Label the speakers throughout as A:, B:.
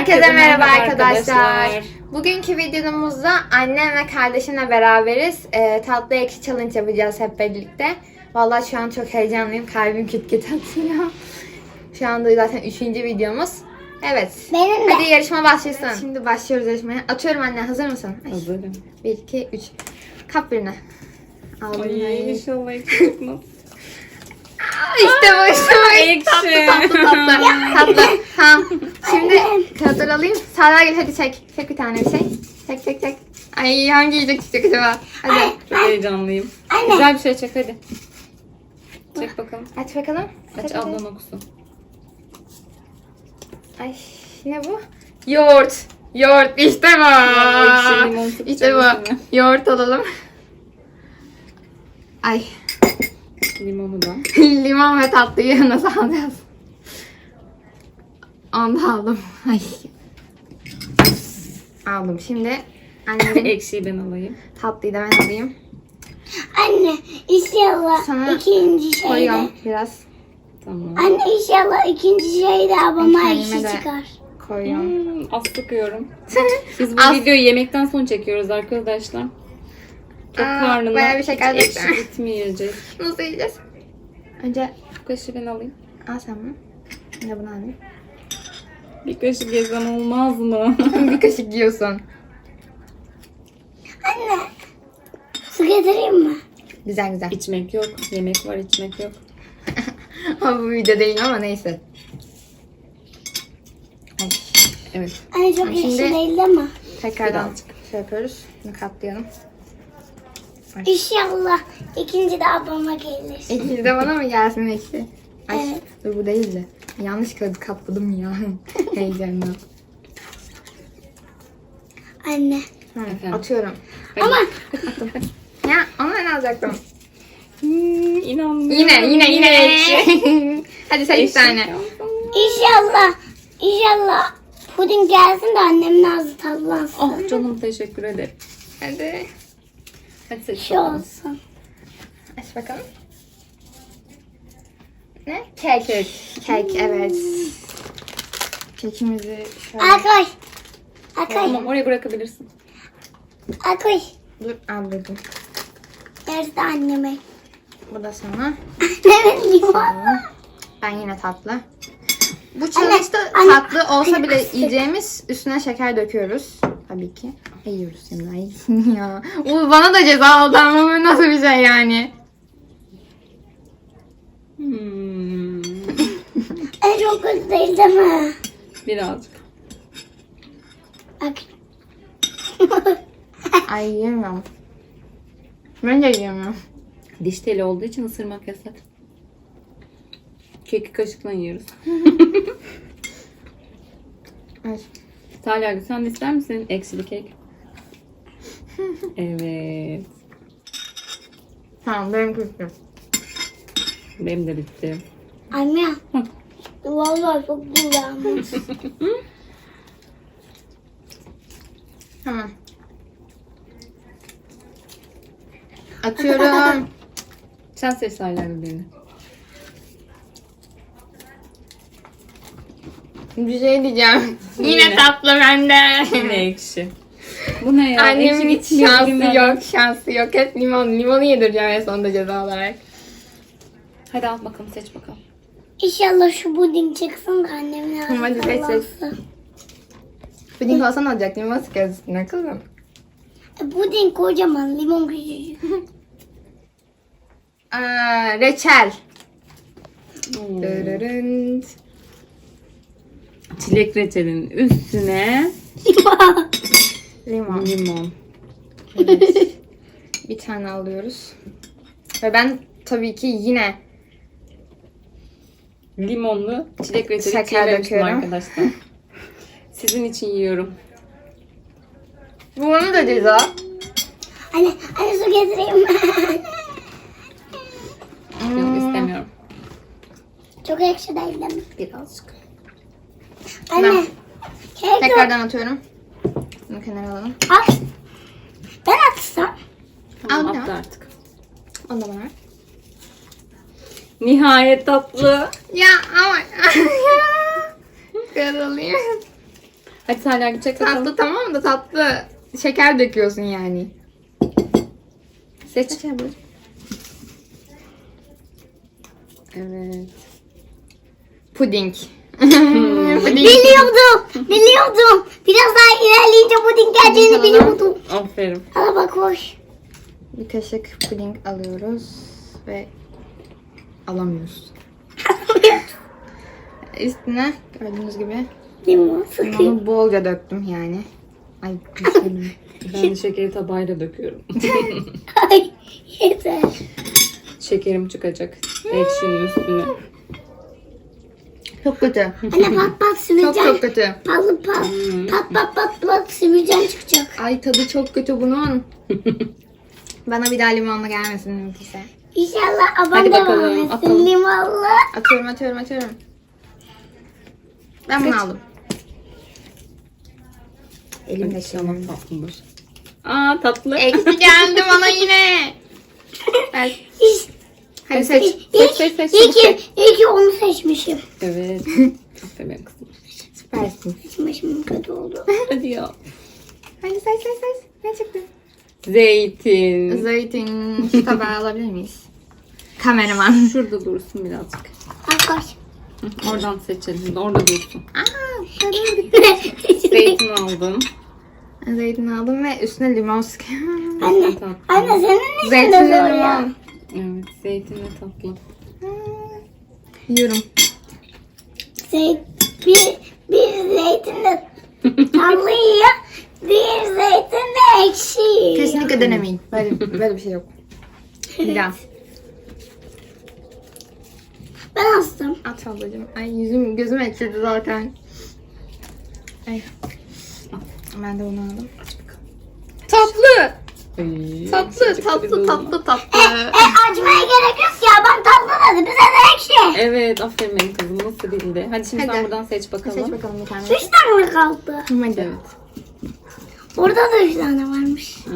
A: Herkese merhaba arkadaşlar. Bugünkü videomuzda annem ve kardeşimle beraberiz. Tatlı ekşi challenge yapacağız hep birlikte. Vallahi şu an çok heyecanlıyım. Kalbim küt küt atıyor. Şu anda zaten 3. videomuz. Evet.
B: Benim de.
A: Hadi yarışma başlasın. Şimdi başlıyoruz yarışmaya. Atıyorum anne. Hazır mısın? Ay.
C: Hazırım.
A: 1, 2, 3. Kap birine. Aldım.
C: Ay inşallah ekşi çıkmaz.
A: İşte bu işte bu.
C: Ekşi.
A: Tatlı. Tamam. Şimdi kağıtları alayım. Sağlar gel hadi çek. Çek bir tane bir şey. Çek. Ay hangi yiyecek çıkacak acaba? Hadi.
C: Çok heyecanlıyım.
B: Anne.
C: Güzel bir şey çek hadi. Çek bakalım.
A: Aç bakalım.
C: Aç
A: Hadi.
C: ablan okusun.
A: Ay ne bu? Yoğurt. Yoğurt işte bu.
C: ekşi limon sıkacak
A: İşte bu.
C: üstüne.
A: Yoğurt alalım. Ay.
C: Limonu da.
A: Limon ve tatlıyı nasıl alacağız? Onu da aldım. Ay. Aldım. Şimdi annemin
C: Ekşiyi ben alayım.
A: tatlıyı da ben alayım.
B: Anne inşallah
A: Sana
B: ikinci şeyde.
A: Koyuyorum biraz.
C: Tamam.
B: Anne inşallah ikinci şeyde abama
A: Kendime
B: ekşi
A: de.
B: çıkar.
A: Koyuyorum.
C: Az sıkıyorum. Biz bu
A: Az.
C: videoyu yemekten sonra çekiyoruz arkadaşlar. Çok karnına
A: bayağı bir şeker
C: hiç ekşi
A: döktüm.
C: gitmeyecek.
A: Nasıl yiyeceğiz? Önce
C: Bu kaşığı ben alayım.
A: al sen bunu. Ben de bunu alayım.
C: Bir kaşık yesem olmaz mı?
A: Bir kaşık yiyorsun.
B: Anne su getireyim mi?
A: Güzel.
C: İçmek yok. Yemek var, içmek yok.
A: Ama bu video değil ama neyse. Ay.
C: Evet.
B: Anne çok ekşi
A: Şimdi-
B: değil değil mi?
A: Tekrardan
C: Birazcık.
A: şey yapıyoruz. Bunu katlayalım.
B: İnşallah ikinci de abama gelir.
A: İkisi de bana mı gelsin ekşi? Ay
B: Evet.
A: dur bu değildi. Yanlış kağıdı katladım ya. Heyecanla.
B: Anne.
C: Efendim?
A: Atıyorum.
B: Ama
A: Ya ama ben alacaktım.
C: İnanmıyorum.
A: Yine
C: ekşi.
A: ekşi. Hadi sen bir
C: Ekşi.
A: tane.
B: İnşallah puding gelsin de annemin ağzı tatlansın.
C: Oh canım teşekkür ederim.
A: Hadi.
C: Hadi seç
B: Şey
C: bakalım.
B: olsun.
A: Aç bakalım. Ne? Kek. Kek evet. Kekimizi şöyle...
B: Al koy.
C: Tamam oraya bırakabilirsin.
B: Al koy.
A: Dur aldırdım.
B: Yarısı da anneme.
A: Bu da sana.
B: Annemin limon.
A: Ben yine tatlı. Bu challenge'da
B: anne,
A: tatlı olsa
B: anne,
A: bile
B: kıstık.
A: yiyeceğimiz üstüne şeker döküyoruz. Tabii ki. Yiyoruz şimdi. Ay ya. Bu bana da ceza oldu ama bu nasıl bir şey yani?
B: En çok kötü değil değil mi?
C: Birazcık.
B: Bak.
A: Ay yiyemiyorum. Ben de yiyemiyorum.
C: Diş teli olduğu için ısırmak yasak. Keki kaşıkla yiyoruz.
A: Ay.
C: Talha sen de ister misin ekşili kek? Evet.
A: Tamam benim küçüğüm.
C: Benim de bitti.
B: Anne.
C: Hı.
B: Vallahi çok güzelmiş.
A: Tamam. Atıyorum.
C: Sen seç Talha'nın birini.
A: Bir şey diyeceğim. Yine
C: Yine.
A: tatlı bende.
C: Yine ekşi. Bu ne ya?
A: Annemin
C: Ekşi
A: hiç
C: gitmiyor
A: şansı
C: bugünlerden.
A: yok. Şansı yok. Hep limon. Limonu yedireceğim en sonunda ceza olarak.
C: Hadi al bakalım seç bakalım.
B: İnşallah şu puding çıksın da annemin ağzı
A: Hadi seç, seç.
B: tatlansın.
A: Puding olsa ne olacak? Limon sıkarız üstüne kızım.
B: Puding kocaman, limon küçücük.
A: Reçel.
C: Hmm.
A: Dırırınt.
C: Çilek reçelinin üstüne
A: Limon.
C: limon.
A: Evet. Bir tane alıyoruz. Ve ben tabii ki yine
C: Limonlu çilek reçeli
A: Şeker
C: çiğnemiştim
A: döküyorum.
C: arkadaşlar. Sizin için yiyorum.
A: bunu da ceza.
B: Anne su getireyim mi?
C: Yok istemiyorum.
B: Çok ekşi değil değil mi?
C: Birazcık.
B: Anne. Kek yok.
A: Tekrardan atıyorum. Bunu kenara alalım.
B: Al. Ben atsam.
C: Tamam
A: Al,
C: attı
A: al.
C: artık.
A: Onu da bana ver.
C: Nihayet tatlı.
A: Ya ama. Karalayım.
C: Hadi Salih gidecek bakalım.
A: Tatlı tamam da tatlı şeker döküyorsun yani.
C: Seç. Evet.
A: Puding.
B: Biliyordum. Biraz daha ilerleyince puding geleceğini biliyordum.
C: Aferin.
B: Hala bak hoş.
A: Bir kaşık puding alıyoruz ve alamıyoruz. Üstüne gördüğünüz gibi
B: Limon sıkayım.
A: limonu bolca döktüm yani. Ay düşürdüm.
C: Ben de şekeri tabağıyla döküyorum.
B: Ay yeter.
C: Şekerim çıkacak. Ekşinin üstüne.
A: Çok kötü.
B: Anne pat pat
A: Çok
B: sümürcan.
A: kötü.
B: Pat pat. Pat sümürcan çıkacak.
A: Ay tadı çok kötü bunun. Bana bir daha limonla gelmesin mümkünse.
B: İnşallah
C: Hadi
B: aban
C: bakalım,
B: devam etsin
C: atalım.
B: limonlu.
A: Atıyorum. Ben bunu aldım. Elimde
C: İnşallah
A: şimdi.
C: tatlıdır. Aa tatlı.
A: Eksi geldi bana yine. Evet. Hadi seç.
C: Seç.
B: İyi ki onu seçmişim.
C: Evet. Aferin kızım.
A: Süpersin.
B: Seçmişim kötü oldu.
C: Hadi ya.
A: Hadi seç. Ne çıktı?
C: Zeytin.
A: Zeytin. Şu tabağı alabilir miyiz? Kameraman.
C: Şurada dursun birazcık.
B: Arkadaş.
C: Hı, oradan seçelim. Orada dursun.
A: Aa, şöyle gitti.
C: Zeytin aldım.
A: Zeytin aldım ve üstüne limon sıkıyorum.
B: Anne.
C: Tatlı.
B: Anne senin
A: Zeytinli
B: için de zor ya.
A: limon.
C: Evet zeytin ve tatlı.
A: Yiyorum.
B: Bir zeytinle tatlı yiyor. Bir zeytinle ekşi yiyor.
A: Kesinlikle denemeyin. Böyle bir şey yok. Bir daha.
B: Ben astım.
A: At ablacığım. Ay yüzüm gözüm ekşidi zaten. Ay. Ben de bunu aldım. Tatlı.
C: Ay,
A: Tatlı.
B: Açmaya gerek yok ya. Ben tatlı dedi. Bize de ekşi.
C: Evet aferin benim kızım nasıl bildi. Hadi şimdi
A: Hadi.
C: sen buradan seç bakalım.
A: Seç bakalım bir tane.
B: 3 tane mi kaldı?
A: Hadi.
C: Evet.
B: Burada da 3 tane varmış.
C: Hı hı.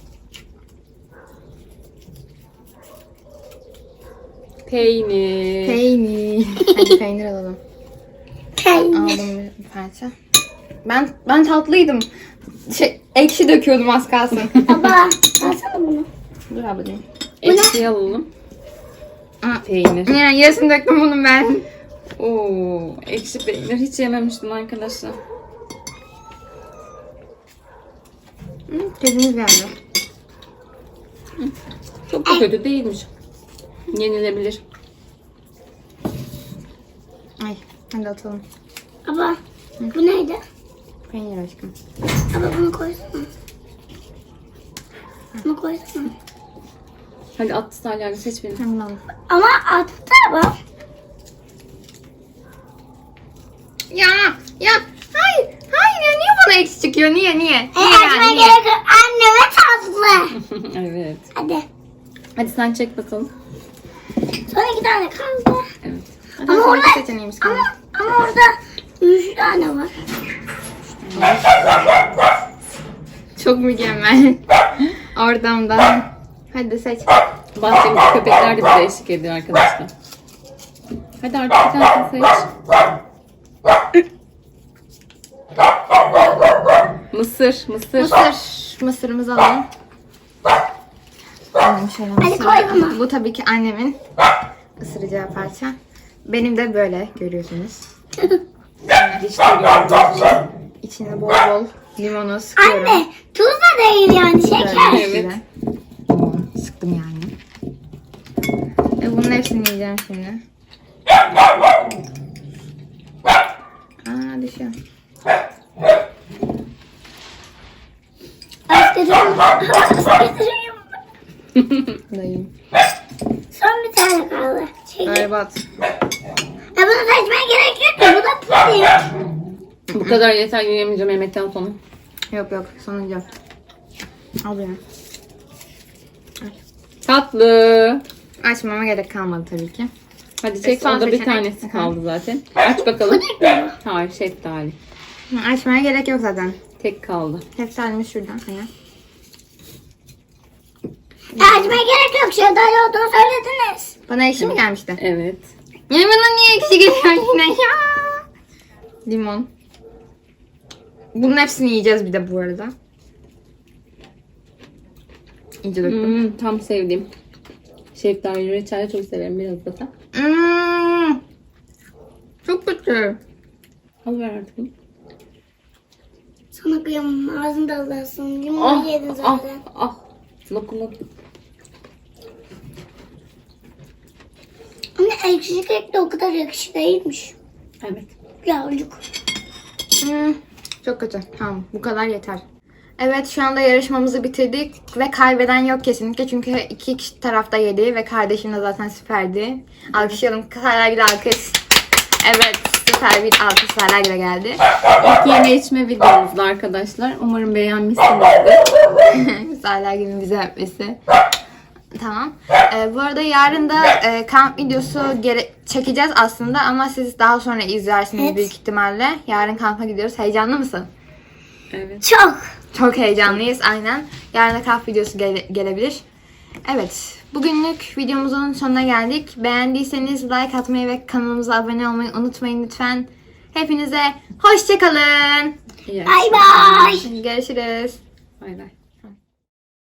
C: Peynir.
A: Peynir. Hadi peynir alalım.
B: Peynir.
A: Aldım bir parça. Ben tatlıydım. Ekşi döküyordum az kalsın.
B: Baba alsana bunu.
A: Dur ablacığım.
C: Ekşi alalım.
A: Aa,
C: Peynir.
A: yani yarısını döktüm bunun ben.
C: Oo, ekşi peynir hiç yememiştim arkadaşlar.
A: Kedimiz geldi.
C: Çok da kötü değilmiş. Yenilebilir.
A: Ay hadi atalım.
B: Baba bu neydi?
A: Peynir aşkım.
B: Baba bunu koysana. Bunu koysana.
C: Hadi at Salih'le seç beni.
A: Hemen alalım.
B: Ama attı baba.
A: Ya hayır ya niye bana eksi çıkıyor niye?
B: Açmaya gerek yok. Anneme tatlı.
C: Evet.
B: Hadi.
C: Hadi sen çek bakalım.
B: Son 2 tane kaldı.
C: Evet.
A: Hadi
B: Ama
A: son
B: orada,
A: iki seçeneğimiz kaldı.
B: ama orada 3 tane var.
A: Çok mükemmel. Oradan da. Hadi seç.
C: Bahçemizde köpekler de bize eşlik ediyor arkadaşlar. Hadi artık bir tanesini seç. Mısır.
A: Mısırımızı alalım. Alalım şöyle mısır.
B: koy bunu.
A: Bu tabii ki annemin ısıracağı parça. Benim de böyle görüyorsunuz.
C: Hiç de görmedim.
A: İçine bol bol limonu sıkıyorum.
B: Anne tuz da değil yani şeker.
A: Böyle
C: Evet.
A: işte. Sıktım yani. Bunun hepsini yiyeceğim şimdi. Aa düşüyor.
B: Az getiriyorum. Az getiriyorum.
A: Dayım.
B: Son bir tane kaldı. Çekil.
A: Berbat.
B: Bunu seçmeye gerek yok ya. Bu da puding.
C: Bu kadar yeter yiyemeyeceğim yemekten sonra.
A: Yok sonuncu. Al beni.
C: Tatlı.
A: Açmama gerek kalmadı tabii ki.
C: Hadi çek.
A: Son
C: Onda bir
A: seçenek.
C: tanesi kaldı zaten. Aç bakalım.
B: Puding mi?
C: Hayır şeftali.
A: Açmaya gerek yok zaten.
C: Tek kaldı.
A: Şeftalimiz şuradan. Aya.
B: Açmaya gerek yok. Şeftali olduğunu söylediniz.
A: Bana ekşi mi gelmişti?
C: Evet.
A: Ya bana niye ekşi geliyor yine ya? Limon. Bunun hepsini yiyeceğiz bir de bu arada. İyice döktüm.
C: Tam sevdiğim. Şeftali reçel çok severim biraz da sen.
A: Çok kötü.
C: Al ver artık.
B: Sana kıyamam. Ağzında alırsın. Limonu yedin zaten.
C: Lokum.
B: Ama ekşi kek de o kadar ekşi değilmiş.
C: Evet.
B: Birazcık.
A: Çok kötü. Tamam, bu kadar yeter. Evet, şu anda yarışmamızı bitirdik ve kaybeden yok kesinlikle çünkü iki kişi tarafta yedi ve kardeşim de zaten süperdi. Alkışlayalım. Seragil alkış. Evet, süper bir alkış Seragil'e geldi.
C: İlk yeme içme videomuzda arkadaşlar. Umarım beğenmişsinizdir.
A: Seragil'in bize yapması. Tamam. Bu arada yarın da kamp videosu çekeceğiz aslında ama siz daha sonra izlersiniz
B: Evet.
A: büyük ihtimalle. Yarın kampa gidiyoruz. Heyecanlı mısın?
C: Evet.
B: Çok.
A: Çok heyecanlıyız aynen. Yarın da kamp videosu gelebilir. Evet. Bugünlük videomuzun sonuna geldik. Beğendiyseniz like atmayı ve kanalımıza abone olmayı unutmayın lütfen. Hepinize hoşça kalın.
C: İyi
B: Bay bay.
A: Görüşürüz.
C: Bay bay.